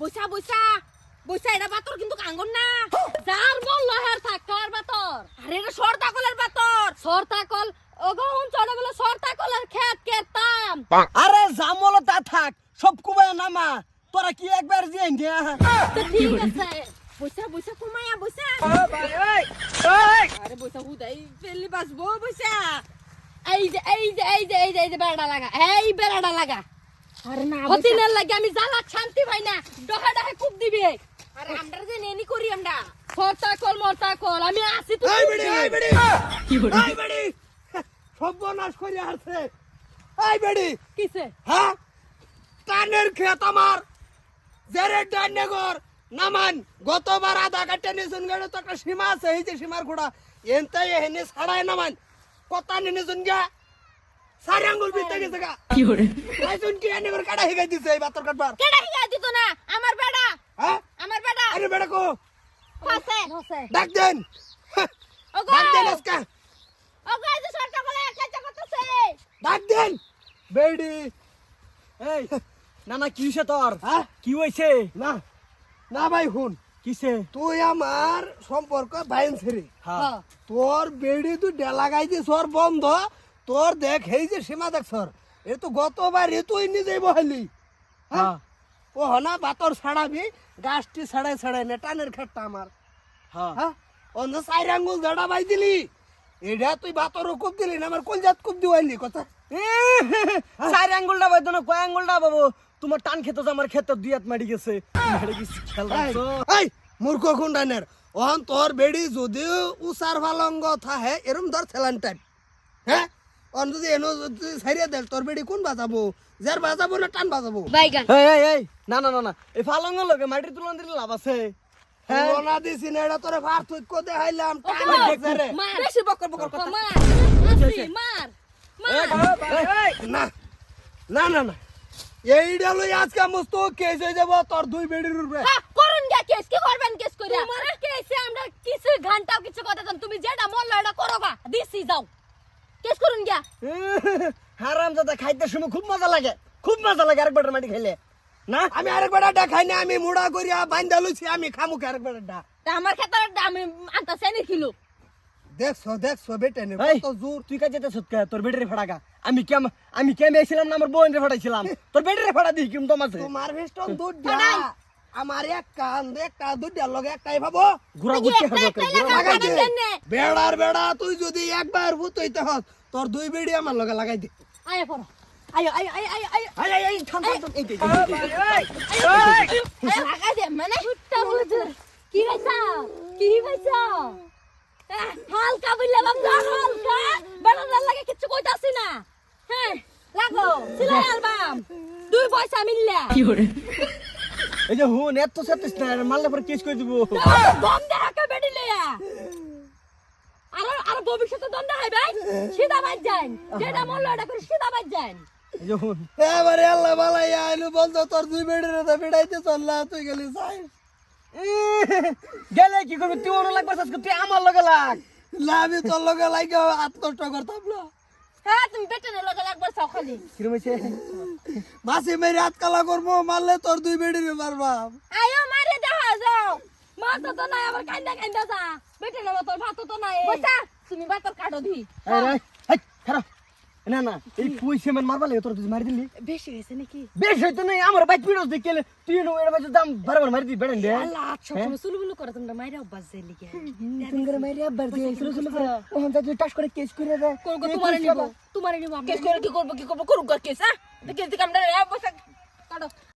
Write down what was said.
বইসা বইসা বইসা এটা বাতর কিন্তু কাঙ্গন না যার বল লহের থাকার বাতর আরে এটা সরতাকলের বাতর সরতাকল ওগন চড়ে বলে সরতাকলের খেত কেতাম আরে জামল তা থাক সব কুবায় নামা তোরা কি একবার যে ইন্ডিয়া তো ঠিক আছে বইসা বইসা কুমায়া বইসা আরে বইসা হুদাই পেলি বাসবো বইসা এই যে বেড়া লাগা এই বেড়াটা লাগা আরে না হতিনের লাগে আমি জ্বালা শান্তি পাই না ডহা ডহা খুব দিবে আরে আমরা যে নেনি করি আমরা সরতাকল মরতাকল আমি আসি তো এই বেড়ি কি বড় এই বেড়ি সর্বনাশ করে আসছে এই বেড়ি কিসে হ্যাঁ টানের খেত আমার জেরে ডান্নেগর নামান গতবার আধা কাটে নিছুন গেল তো একটা সীমা আছে এই যে সীমার ঘোড়া এনতাই এনে ছাড়ায় নামান কথা নিছুন গা সারি আঙ্গুল বিতে গেছে গা কি করে আইছুন কি এনে করে কাটা হিগাই দিছে এই বাতর কাটবার কেডা হিয়া দিত না আমার বেড়া হ্যাঁ আমার বেড়া আরে বেড়া কো ফাসে ডাক দেন ওগো ডাক দেন আজকে ওগো এই যে সরতাকলে একটা করতেছে ডাক দেন বেড়ি এই না না কি হইছে তোর হ্যাঁ কি হইছে না না ভাই হুন কিসে তুই আমার সম্পর্ক বাইন ছেড়ে হ্যাঁ তোর বেড়ি তুই ডেলা গাইছি সর বন্ধ তোর দেখ এই যে সীমা দেখ সর এ তো গতবার এ তুই নিজেই বহালি হ্যাঁ ও হনা বাতর ছাড়াবি গাছটি ছাড়াই ছাড়াই নে টানের খেটটা আমার হ্যাঁ অন্য চার আঙ্গুল জড়া বাই দিলি এটা তুই বাতর কুপ দিলি না আমার কলজাত কুপ দিওয়াইলি কথা চার আঙ্গুলটা বাইতো না কয় আঙ্গুলটা বাবু তোমার টান খেতে আমার খেতে দুই হাত মারি গেছে এই মূর্খ খুন্ডানের ওহন তোর বেড়ি যদি উসার ভালঙ্গ থাহে এরম ধর ছেলান টাইপ হ্যাঁ অন যদি এনো যদি ছাইরে দেল তোর বেড়ি কোন বাজাবো যার বাজাবো না টান বাজাবো বাইগান এই না না না না এই ফালঙ্গ লগে মাটির তুলন দিলে লাভ আছে হ্যাঁ না দিছি না এটা তোরে ফার তুই কো দেখাইলাম টান দেখছে রে মার বেশি বকর বকর কথা মার মার না না না না এইটা লই আজকে মস্ত কেস হয়ে যাব তোর দুই বেড়ির উপরে করুন গা কেস কি করবেন কেস কইরা তোমার কেসে আমরা কিছু ঘন্টাও কিছু কথা জান তুমি যেটা মন লয় এটা করো গা দিছি যাও কেস করুন গা হারামজাদা খাইতে সময় খুব মজা লাগে আরেকবার মাটি খাইলে না আমি আরেকবার খাই না আমি মুড়া করিয়া বান্ধা লইছি আমি খামু আরেকবার আমার ক্ষেত্রে আমি আনতা সেনি কিলো দেখছো বেটে নে কত জোর তুই কাজে যেতে সৎকা তোর বেটারে ফাড়াগা আমি কেম এসেছিলাম না আমার বোনরে ফাড়াইছিলাম তোর বেটারে ফাড়া দিই কিম তোমার তোমার ভেস্টন দুধ দিয়া আমার এক কান একটা দুধ দিয়া লগে একটাই ভাবো ঘুরা ঘুরতে হবে বেড়া তুই যদি একবার ভূত হইতে হস তোর দুই বেড়ি আমার লগে লাগাই দে আয় পড়ো আয় থাম এই দে লাগাই দে মানে কি হইছা হালকা বললে বাবা হালকা বেড়ার লাগে কিছু কইতাছি না হ্যাঁ লাগো সিলাই অ্যালবাম দুই পয়সা মিললা কি করে এই যে হুন এত সত্যিস না মারলে পরে কেস কই দিব দম দেখা বেডি লইয়া আর ভবিষ্যতে দম দেখাই ভাই সিধা বাজ যান যেটা মন লড়া করে সিধা বাজ যান এই যে হুন এবারে আল্লাহ বালাই আইলু বলতো তোর দুই বেড়ির তো বিড়াইতে চললা তুই গেলি সাই গেলে কি করবি তুই ওর লাগবে তুই আমার লগে লাগ লাভি তোর লগে লাগে আত্মষ্ট করতাম না হ্যাঁ তুমি বেটনে লগে লাগবে সখালি কিরম হইছে মাসি মেরে হাত কালা করবো মারলে তোর দুই বেড়িরে মারবা আয়ো মারে দেখা যাও মাছ তো নাই আবার কান্দা যা বেটনে তোর ভাত তো নাই বসা তুমি ভাতর কাটো দি আরে হাই খারাপ না না এই পয়সা মান মারবা লাগে তোর তুই মারি দিলি বেশি হইছে নাকি বেশ হইতো নাই আমার বাইক পিড়স দেখলে তুই নো এর বাজে দাম বারবার মারি দি বেড়েন দে আল্লাহ সব সুলুবুলু করে তোমরা মাইরা অভ্যাস যাই লিগে তুমি মারি আবার দে সুলু করে ও হামজা তুই টাস করে কেস করে দে করব তোমারে নিব কেস করে কি করব করুক কেস হ্যাঁ কেস দিকে আমরা বসা কাটো